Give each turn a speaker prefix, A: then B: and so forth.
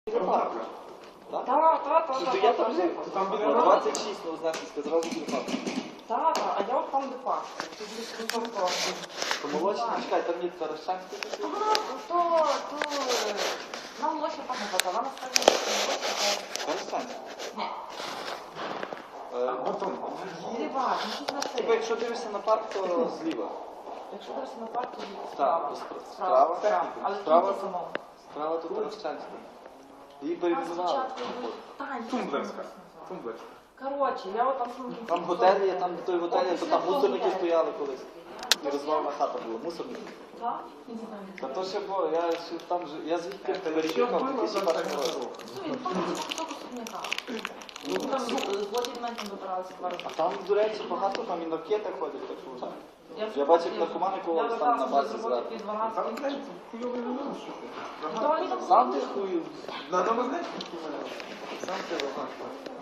A: Так, я там жив. Там біля 26, ну, Знахівська, зразу біля парку.
B: Так, а я от там де парк.
A: То молочна, чекай, там є Таращанська.
B: Ага, то нам молочна там не хватає, вона насправді молочна.
A: Таращанська?
B: Ні.
A: Потім.
B: Зліва, ну тут на
A: Типа,
B: це.
A: якщо дивишся на парк, то зліва.
B: Якщо дивишся на парк, то
A: Так,
B: справа.
A: справа.
B: Але
A: Справа.
B: тут самому.
A: Справа тут Таращанська. Її
B: А
A: перейменували.
B: спочатку Тань,
C: Тумблерська. Тумблерська.
B: коротше, я от там самому.
A: Там готель є, там де той готель, то там мусорники стояли колись. І розвалена хата була, мусорники.
B: Так? Не знаю.
A: Та то ще було, я ще там же, я звідти переїхав в 2001 році.
B: Ну, він там кусок особняка. Ну, там злоті від мене там добиралися 2 роки.
A: А там, до речі, багато там і наркети ходять, так що вже. Я бачив, як наркомани колись там на базі зверху.
B: під
C: Там
B: 12.
C: знаєш, хуйовий мінус, що ти.
B: То вони там
A: Сам ти хую,
C: На домознечку? Сам ти, ага.